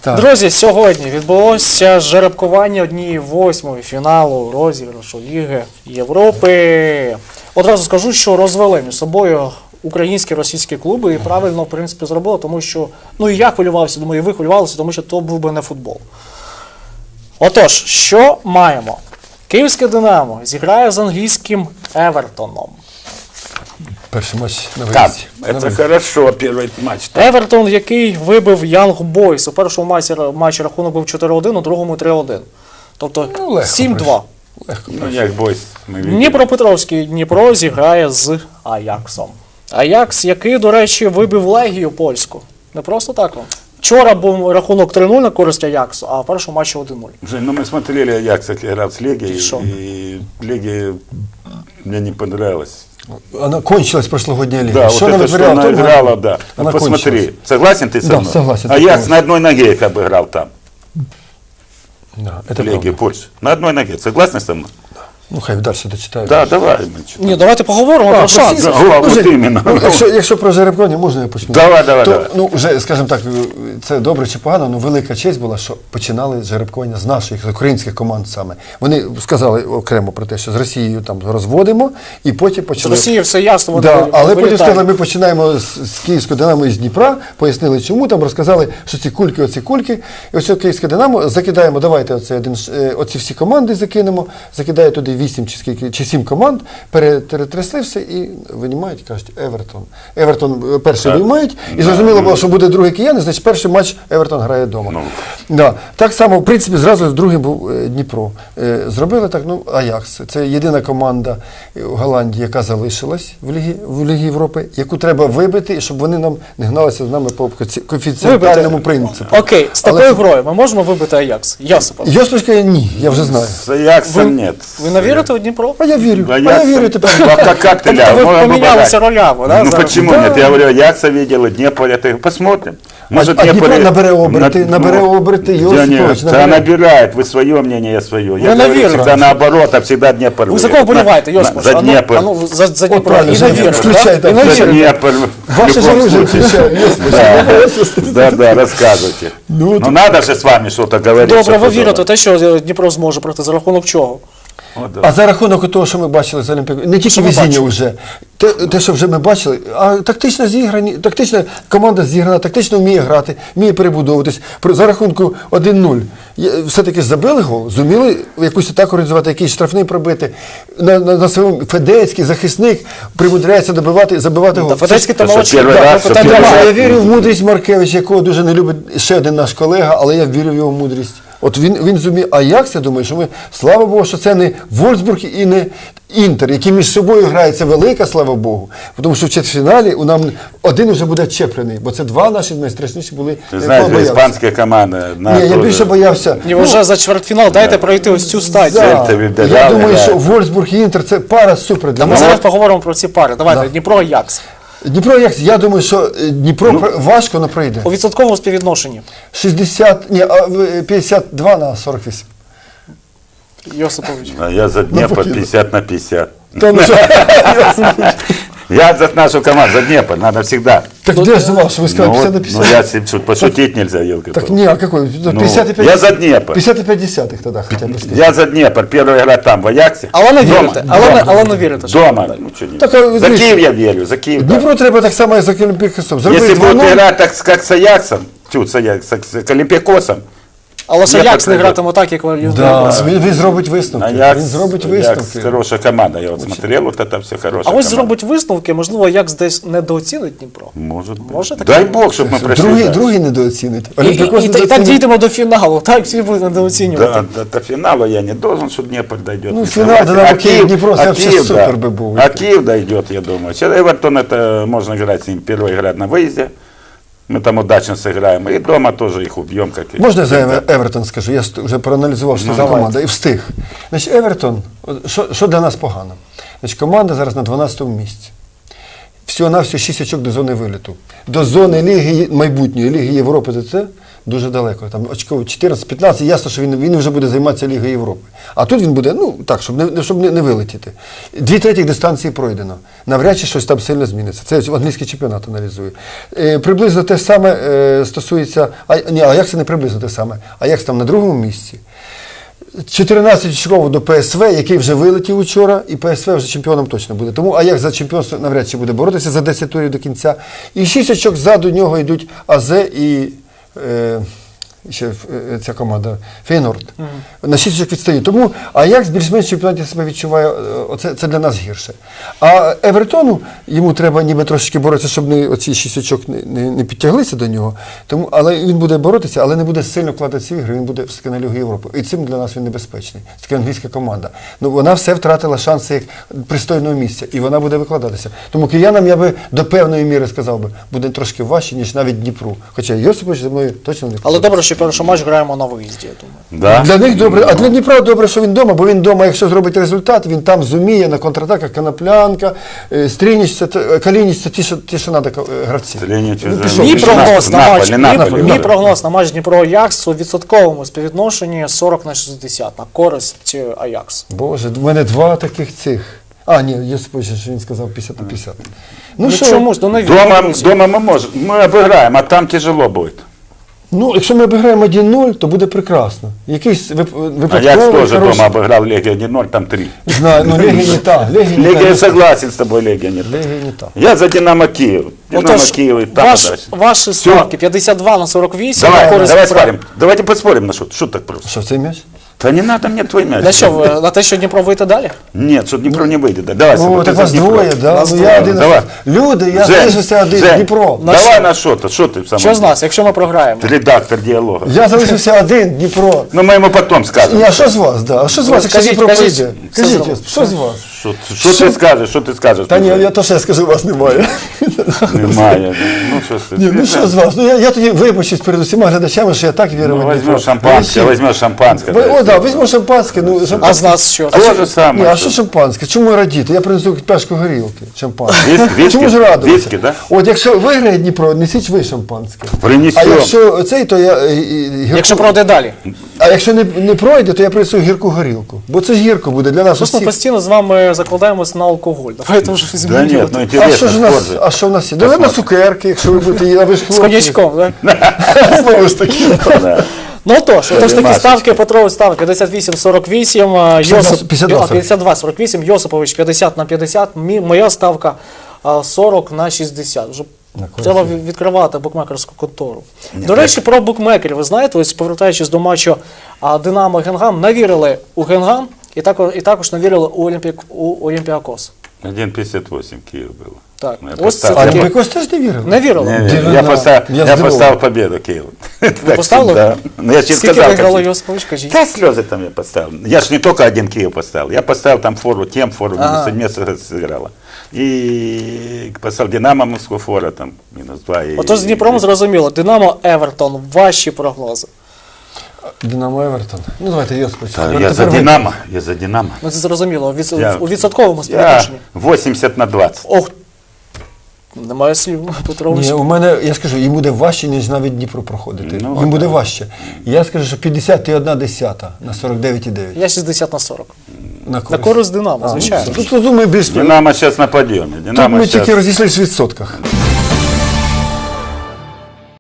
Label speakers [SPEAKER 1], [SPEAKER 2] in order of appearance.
[SPEAKER 1] Так.
[SPEAKER 2] Друзі, сьогодні відбулося жеребкування 1/8 фіналу розіграшу Ліги Європи. Одразу скажу, що розвели між собою українські, російські клуби і правильно, в принципі, зробили, тому що, ну і я хвилювався, думаю, і ви хвилювалися, тому що то був би не футбол. Отож, що маємо? Київське «Динамо» зіграє з англійським «Евертоном».
[SPEAKER 1] Перший матч на
[SPEAKER 3] Так,
[SPEAKER 1] виїзді.
[SPEAKER 3] это хорошо, первый матч.
[SPEAKER 2] Евертон, який вибив Young Boys. У першому матчі рахунок був 4-1, у другому 3-1. Тобто
[SPEAKER 1] Ну, легко
[SPEAKER 2] 7-2.
[SPEAKER 1] Легко.
[SPEAKER 3] Ну, як бойсь, ми видели.
[SPEAKER 2] Дніпропетровський Дніпро зіграє з Аяксом. Аякс, який, до речі, вибив Легію польську. Не просто так. Вчора був рахунок 3-0 на користь Аяксу, а в першому матчі 1-0.
[SPEAKER 3] Жень, ну мы смотрели Аякс, как играл с Легией,
[SPEAKER 2] И шо?
[SPEAKER 3] и Легия мне не понравилась.
[SPEAKER 1] Она кончилась прошлогодняя лига.
[SPEAKER 3] Да,
[SPEAKER 1] Что
[SPEAKER 3] вот
[SPEAKER 1] она
[SPEAKER 3] это, что
[SPEAKER 1] вытворяла,
[SPEAKER 3] она
[SPEAKER 1] то
[SPEAKER 3] играла, да.
[SPEAKER 1] Она
[SPEAKER 3] Вот посмотри,
[SPEAKER 1] кончилась.
[SPEAKER 3] согласен ты со
[SPEAKER 1] Да,
[SPEAKER 3] мной?
[SPEAKER 1] согласен,
[SPEAKER 3] Аякс
[SPEAKER 1] полностью.
[SPEAKER 3] на одной ноге как бы играл там,
[SPEAKER 1] Да, это
[SPEAKER 3] Легия,
[SPEAKER 1] правда.
[SPEAKER 3] Польша. На одной ноге, согласен со мной?
[SPEAKER 1] Ну, хай далі дочитаю.
[SPEAKER 3] Да, давай. мы чё.
[SPEAKER 2] Ні, давайте поговоримо про шанс.
[SPEAKER 3] Да, вот
[SPEAKER 1] Жень,
[SPEAKER 3] именно.
[SPEAKER 1] ну, якщо про жеребкування, можна я почну?
[SPEAKER 3] Давай, давай,
[SPEAKER 1] то,
[SPEAKER 3] давай.
[SPEAKER 1] Ну, вже, скажімо так, це добре чи погано, але велика честь була, що починали жеребкування з наших, з українських команд саме. Вони сказали окремо про те, що з Росією там розводимо, і потім
[SPEAKER 2] З
[SPEAKER 1] почали...
[SPEAKER 2] Росії все ясно, вони
[SPEAKER 1] Да, але потім
[SPEAKER 2] вилітають.
[SPEAKER 1] сказали, ми починаємо з Київського «Динамо» і з Дніпра, пояснили чому, там розказали, що ці кульки, оці кульки, і ось Київське «Динамо» закидаємо, давайте оці всі команди закинемо, закидає туди 8 чи скільки, чи 7 команд, перетрясли все і винімають, кажуть, Евертон. Евертон перший виймають, і зрозуміло було, що буде другий кияни, значить перший матч Евертон грає вдома. Да. Так само, в принципі, зразу другий був Дніпро. Зробили так, ну, Аякс. Це єдина команда в Голландії, яка залишилась в Лігі Європи, яку треба вибити, щоб вони нам не гналися з нами по коефіцієнтальному принципу.
[SPEAKER 2] Окей, з
[SPEAKER 1] Але
[SPEAKER 2] такою
[SPEAKER 1] це-
[SPEAKER 2] грою ми можемо вибити Аякс? Йосипов.
[SPEAKER 1] Йосип каже, ні, я вже знаю.
[SPEAKER 3] С Аяксом нет.
[SPEAKER 2] Ви не вірите у Дніпро?
[SPEAKER 1] А я вірю,
[SPEAKER 3] Да,
[SPEAKER 1] а я вірю тепер.
[SPEAKER 3] Как ты,
[SPEAKER 2] Тобто
[SPEAKER 3] Ля?
[SPEAKER 2] ви
[SPEAKER 3] Ну,
[SPEAKER 2] помінялися ролями, да?
[SPEAKER 3] Ну
[SPEAKER 2] зараз?
[SPEAKER 3] почему
[SPEAKER 1] Да.
[SPEAKER 3] нет? Я говорю, Аякса видел, и Днепр, это посмотрим. Может,
[SPEAKER 1] А Дніпро
[SPEAKER 3] Днепр-
[SPEAKER 1] набере оберти, набере оберти, Йосипович,
[SPEAKER 3] Да, набирает, вы свое мнение, я свое. Я
[SPEAKER 2] Вы
[SPEAKER 3] говорю
[SPEAKER 2] наверное.
[SPEAKER 3] всегда наоборот, а всегда Днепр.
[SPEAKER 2] Ви за
[SPEAKER 3] выиграет.
[SPEAKER 2] кого боліваєте,
[SPEAKER 3] На-
[SPEAKER 2] Йосипович?
[SPEAKER 3] За
[SPEAKER 2] А ну,
[SPEAKER 3] Днепр.
[SPEAKER 2] а ну, за Дніпро.
[SPEAKER 1] правильно,
[SPEAKER 2] І
[SPEAKER 1] за
[SPEAKER 2] не
[SPEAKER 1] Дніпр.
[SPEAKER 2] вірите,
[SPEAKER 1] Включай
[SPEAKER 2] да? І
[SPEAKER 1] там,
[SPEAKER 2] не
[SPEAKER 3] За
[SPEAKER 2] вірите.
[SPEAKER 3] Днепр. в
[SPEAKER 1] Ваше
[SPEAKER 3] любом
[SPEAKER 1] же оружие
[SPEAKER 3] случае.
[SPEAKER 1] включаю, Йосипович.
[SPEAKER 3] Да, рассказывайте.
[SPEAKER 1] Ну,
[SPEAKER 3] Ну надо же с вами что-то говорить.
[SPEAKER 2] Добре, ви
[SPEAKER 3] чтобы
[SPEAKER 2] вірите
[SPEAKER 3] было.
[SPEAKER 2] в те, що Дніпро зможе пройти за рахунок чого?
[SPEAKER 3] Вот, да.
[SPEAKER 1] А за рахунок того, що ми бачили з Олімпіаком, не тільки
[SPEAKER 2] ми
[SPEAKER 1] везіння
[SPEAKER 2] бачили?
[SPEAKER 1] вже, те, що вже ми бачили, а тактично зіграні, тактична команда зіграна, тактично вміє грати, вміє перебудовуватись. За рахунку 1-0 все-таки ж забили гол, зуміли якусь атаку організувати, якийсь штрафний пробити. На своєму Федецький захисник примудряється забивати гол.
[SPEAKER 2] Та Федецький та
[SPEAKER 3] Це
[SPEAKER 2] молодший.
[SPEAKER 3] перший
[SPEAKER 2] Да,
[SPEAKER 3] раз,
[SPEAKER 2] ну,
[SPEAKER 3] що
[SPEAKER 2] питань
[SPEAKER 3] перший
[SPEAKER 2] немає.
[SPEAKER 1] Я вірю в мудрість Маркевича, якого дуже не любить ще один наш колега, але я вірю в його мудрість. От він зумів. А як я думаю, що ми, слава Богу, що це не Вольфсбург і не Інтер, які між собою грають, це велика, слава Богу. Тому що в четвертьфіналі у нам один вже буде чеплений, бо це два наші найстрашніші були.
[SPEAKER 3] Ты знаешь,
[SPEAKER 1] боявся.
[SPEAKER 3] испанская команда.
[SPEAKER 1] Ні, я більше боявся.
[SPEAKER 2] Ні, вже за чвертьфінал дайте пройти ось цю стадію.
[SPEAKER 1] Да.
[SPEAKER 3] Це тобі
[SPEAKER 1] Я думаю,
[SPEAKER 3] грає.
[SPEAKER 1] що Вольфсбург і Інтер це пара супер для
[SPEAKER 2] Ми
[SPEAKER 1] нас.
[SPEAKER 2] зараз поговоримо про ці пари. Давайте,
[SPEAKER 1] Да.
[SPEAKER 2] Дніпро Аякс.
[SPEAKER 1] Дніпро, я думаю, що Дніпро важко, але пройде.
[SPEAKER 2] У відсотковому співвідношенні.
[SPEAKER 1] 52 на 48.
[SPEAKER 2] Йосипович.
[SPEAKER 3] А я за Днепр 50 на 50.
[SPEAKER 1] Та ну що?
[SPEAKER 3] Я за нашу команду, за Днепр, надо всегда.
[SPEAKER 1] Так де ж ваш? Ви сказали 50 на 50?
[SPEAKER 3] Ну я шут, пошутить нельзя, елка.
[SPEAKER 1] Так не, а какой? 55
[SPEAKER 3] я за Днепр.
[SPEAKER 1] 55 десятых тогда хотя бы сказать.
[SPEAKER 3] Я за Днепр, первая игра там, в Аяксе.
[SPEAKER 2] Але не
[SPEAKER 3] Дома.
[SPEAKER 2] вірите. Але не вірите. що
[SPEAKER 3] Дома.
[SPEAKER 2] так.
[SPEAKER 3] Ну, что не-
[SPEAKER 1] Так, а,
[SPEAKER 3] за
[SPEAKER 1] видишь,
[SPEAKER 3] Киев я верю, за Киев. да.
[SPEAKER 1] Дніпро треба так само, як за Олімпікосом.
[SPEAKER 3] Если будут
[SPEAKER 1] 2-0.
[SPEAKER 3] играть так, как с Аяксом, с Олимпиакосом,
[SPEAKER 2] Але ж
[SPEAKER 3] Ні,
[SPEAKER 2] Аякс
[SPEAKER 3] так
[SPEAKER 2] не
[SPEAKER 3] не
[SPEAKER 2] гратиме так, як ви.
[SPEAKER 1] Да, він зробить висновки.
[SPEAKER 3] Аякс,
[SPEAKER 1] Він зробить
[SPEAKER 3] Аякс
[SPEAKER 1] висновки.
[SPEAKER 3] хорошая команда, я вот смотрел, вот это все
[SPEAKER 2] А
[SPEAKER 3] хорошая
[SPEAKER 2] ось
[SPEAKER 3] команда.
[SPEAKER 2] зробить висновки, можливо, Аякс десь недооцінить Дніпро.
[SPEAKER 3] Может быть.
[SPEAKER 2] Може таке
[SPEAKER 3] Дай
[SPEAKER 2] бути?
[SPEAKER 3] Бог, чтобы мы прошли.
[SPEAKER 1] Другий,
[SPEAKER 3] дальше.
[SPEAKER 1] другий недооцінить.
[SPEAKER 2] І
[SPEAKER 1] Олімпікос
[SPEAKER 2] так
[SPEAKER 1] недооцінить.
[SPEAKER 2] дійдемо до фіналу, так всі будуть недооцінювати.
[SPEAKER 3] Да, до финала я не должен, что Днепр дойдет.
[SPEAKER 1] Ну,
[SPEAKER 3] Не
[SPEAKER 1] финал,
[SPEAKER 3] согласен.
[SPEAKER 1] Динамо, Киев, Днепр, это вообще
[SPEAKER 3] Киев,
[SPEAKER 1] супер бы был.
[SPEAKER 3] А Киев дойдет, я думаю. Сейчас Эвертон, это можно играть с ним. Первая игра на выезде. Мы там удачно сыграем. И дома тоже их убьем. Как и
[SPEAKER 1] Можна я за
[SPEAKER 3] всегда.
[SPEAKER 1] Евертон скажу? Я вже проаналізував, що
[SPEAKER 3] Ну,
[SPEAKER 1] за
[SPEAKER 3] давай.
[SPEAKER 1] команда, і встиг. Значить, Евертон, що для нас погано? Значить, команда зараз на 12-му місці. Всього-навсього 6 очок до зони виліту. До зони Ліги, майбутньої Ліги Європи, це дуже далеко. Там очков 14-15, ясно, що він вже буде займатися Лігою Європи. А тут він буде, ну так, щоб не вилетіти. 2/3 дистанції пройдено. Навряд чи щось там сильно зміниться. Це англійський чемпіонат аналізує. Приблизно те саме стосується, а як це не приблизно те саме, а як там на другому місці. 14 очков до ПСВ, який вже вилетів учора, і ПСВ вже чемпіоном точно буде. Тому Аякс за чемпіонство навряд чи буде боротися за 10 турів до кінця. І 6 очок ззаду нього йдуть АЗ і ще ця команда Фейнорд. На 6 очок відстають. Тому Аякс більш-менш в чемпіонаті себе відчуває, це для нас гірше. А Евертону, йому треба ніби трошечки боротися, щоб оці 6 очок не підтяглися до нього. Тому, але він буде боротися, але не буде сильно вкладатися в ігри, він буде все-таки на Лігу Європи. І цим для нас він небезпечний. Це така англійська команда. Ну, вона все втратила шанси як пристойного місця, і вона буде викладатися. Тому киянам, я би до певної міри сказав би, буде трошки важче, ніж навіть Дніпру. Хоча Йосипович за мною точно не
[SPEAKER 2] Але добре, що перший матч граємо на виїзді, я думаю.
[SPEAKER 3] Да?
[SPEAKER 1] Для них добре, а для Дніпра добре, що він вдома, бо він вдома, якщо зробить результат, він там зуміє на контратаках Коноплянка, Стрініч, Калініч, це ті, що треба гравці.
[SPEAKER 3] Стрініч
[SPEAKER 1] Ну,
[SPEAKER 3] вже-
[SPEAKER 1] пішов.
[SPEAKER 2] Мій
[SPEAKER 3] Наполі,
[SPEAKER 2] прогноз на матч,
[SPEAKER 3] Наполі.
[SPEAKER 2] мій прогноз на матч Дніпро-Аякс у відсотковому співвідношенні 40/60 на користь Аякс.
[SPEAKER 1] Боже, в мене два таких цих. А, ні, Йосипович, що він сказав 50/50.
[SPEAKER 2] Ну
[SPEAKER 1] що?
[SPEAKER 2] чомусь, до навіть.
[SPEAKER 3] Дома мы можем, мы обыграем, а там тяжело будет.
[SPEAKER 1] Ну, якщо ми обіграємо 1-0, то буде прекрасно. Якийсь
[SPEAKER 3] А
[SPEAKER 1] випадковий,
[SPEAKER 3] я тоже
[SPEAKER 1] хороший.
[SPEAKER 3] дома обыграл Легия 1-0, там 3.
[SPEAKER 1] Знаю, ну Легія не та.
[SPEAKER 3] Легия, я согласен с тобой, Легия не та.
[SPEAKER 1] Легія не та.
[SPEAKER 3] Я за Динамо Киев. Динамо
[SPEAKER 2] Отож,
[SPEAKER 3] Киев и там дальше.
[SPEAKER 2] ваші ставки 52/48 на
[SPEAKER 3] Давай,
[SPEAKER 2] користь
[SPEAKER 3] давай
[SPEAKER 2] Дніпра.
[SPEAKER 3] спорим. Давайте поспорим на что так просто.
[SPEAKER 1] Що, цей м'яч?
[SPEAKER 3] Да не надо мне твой мяч.
[SPEAKER 2] На що, на те, що Дніпро вийде далі?
[SPEAKER 3] Нет, что Днепро не выйдет. Да. Давай,
[SPEAKER 1] О,
[SPEAKER 3] Саба,
[SPEAKER 1] так
[SPEAKER 3] ты за
[SPEAKER 1] вас
[SPEAKER 3] Днепро.
[SPEAKER 1] двоє, да?
[SPEAKER 2] Нас
[SPEAKER 1] Ну
[SPEAKER 2] двоє.
[SPEAKER 1] я один.
[SPEAKER 3] Давай.
[SPEAKER 1] Люди, я
[SPEAKER 3] Жень,
[SPEAKER 1] залишився один,
[SPEAKER 3] Жень,
[SPEAKER 1] Дніпро.
[SPEAKER 3] Давай на что-то, что ты сам?
[SPEAKER 2] Що з нас, якщо ми програємо?
[SPEAKER 3] Редактор диалога.
[SPEAKER 1] Я залишився один, Дніпро.
[SPEAKER 3] Ну мы ему потом скажем.
[SPEAKER 1] Ні, а що з вас, да? А що з вас, якщо
[SPEAKER 2] Кажіть,
[SPEAKER 1] Дніпро
[SPEAKER 2] кажіть.
[SPEAKER 1] прийде?
[SPEAKER 2] Все
[SPEAKER 1] Кажіть,
[SPEAKER 2] зробимо.
[SPEAKER 1] що з вас?
[SPEAKER 3] Что ты скажешь, что ты скажешь?
[SPEAKER 1] Та ні, я то, що я скажу, вас немає.
[SPEAKER 3] Немає. Ну що ж ти?
[SPEAKER 1] Ні, ну що з вас? Ну я тоді вибачусь перед усіма глядачами, що я так вірив.
[SPEAKER 3] Ну,
[SPEAKER 1] в Дніпро.
[SPEAKER 3] возьмешь шампанское,
[SPEAKER 1] Ви
[SPEAKER 3] возьмешь шампанское.
[SPEAKER 1] всі- О, да, візьмемо шампанське. Ну,
[SPEAKER 2] А з
[SPEAKER 1] шампанське.
[SPEAKER 2] нас що?
[SPEAKER 3] То же самое.
[SPEAKER 1] Ні, а
[SPEAKER 3] что?
[SPEAKER 1] що шампанське? Чому радіти? Я принесу пляшку горілки, шампанське.
[SPEAKER 3] Виски?
[SPEAKER 1] Чому ж радуватися?
[SPEAKER 3] Виски, да?
[SPEAKER 1] От якщо виграє Дніпро, несіть ви шампанське.
[SPEAKER 3] Принесем.
[SPEAKER 1] А якщо цей, то я
[SPEAKER 2] Якщо пройде далі.
[SPEAKER 1] А якщо не пройде, то я принесу гірку горілку. Бо це ж гірко буде для нас
[SPEAKER 2] Просто
[SPEAKER 1] усіх.
[SPEAKER 2] постійно з вами закладаємось на алкоголь. Давайте вже
[SPEAKER 3] Да
[SPEAKER 2] змінювати.
[SPEAKER 3] нет, ну
[SPEAKER 1] А
[SPEAKER 3] интересно.
[SPEAKER 1] що ж у нас?
[SPEAKER 3] спорт же.
[SPEAKER 1] А що в нас є? Давай на цукерки, якщо ви будете їсти, а ви ж
[SPEAKER 2] З
[SPEAKER 1] хлопці.
[SPEAKER 2] коньячком, так?
[SPEAKER 1] Знову ж таки.
[SPEAKER 3] Да.
[SPEAKER 2] Ну отож такі
[SPEAKER 3] Масочки.
[SPEAKER 2] ставки. Петрович став 58-48,
[SPEAKER 1] 52.
[SPEAKER 2] 52-48, Йосипович 50/50, моя ставка 40/60. Вже треба відкривати букмекерську контору. До речі, про букмекерів. Ви знаєте, ось повертаючись до матчу Динамо Генгам, навірили у Генгам і також навірили у Олімпіакос.
[SPEAKER 3] 1,58 Киев было.
[SPEAKER 2] Так,
[SPEAKER 3] Ну, я
[SPEAKER 2] ось це
[SPEAKER 3] поставил.
[SPEAKER 1] А
[SPEAKER 2] таке.
[SPEAKER 1] Олімпікос теж не вірив?
[SPEAKER 2] Навірили.
[SPEAKER 3] Не,
[SPEAKER 1] Дивина.
[SPEAKER 3] я поставил,
[SPEAKER 1] Я
[SPEAKER 3] я
[SPEAKER 1] здивований.
[SPEAKER 3] поставил победу Киеву. Так,
[SPEAKER 2] поставили?
[SPEAKER 3] Да. Ну, я тебе
[SPEAKER 2] Скільки
[SPEAKER 3] сказал.
[SPEAKER 2] виграло
[SPEAKER 3] как-
[SPEAKER 2] Йосипович, кажіть?
[SPEAKER 3] Да, слезы там я поставил. Я ж не только один Киев поставил. Я поставил там фору, тем фору, минус 1 сыграла. И поставил Динамо Москву фора, там -2. И-
[SPEAKER 2] Отож з Дніпром зрозуміло. Динамо Евертон. Ваші прогнози.
[SPEAKER 1] Динамо Евертон. Ну давайте Йосипович.
[SPEAKER 3] Да, я за Динамо, я за Динамо.
[SPEAKER 2] Ну це зрозуміло.
[SPEAKER 3] Я-
[SPEAKER 2] У відсотковому
[SPEAKER 3] Я
[SPEAKER 2] співвідношенні.
[SPEAKER 3] 80/20.
[SPEAKER 2] Ох, немає слів, Петрович.
[SPEAKER 1] Ні, у мене, я скажу, їм буде важче, ніж навіть Дніпро проходити.
[SPEAKER 3] Ну,
[SPEAKER 1] Їм буде важче. Я скажу, що 51/10 на 49,9.
[SPEAKER 2] Я 60/40. На
[SPEAKER 1] користь.
[SPEAKER 2] користь Динамо, звичайно.
[SPEAKER 1] Тут, думаю, більш...
[SPEAKER 3] Динамо сейчас на подъеме.
[SPEAKER 1] Тут
[SPEAKER 3] Динамо
[SPEAKER 1] ми
[SPEAKER 3] сейчас...
[SPEAKER 1] тільки розійшлися в відсотках.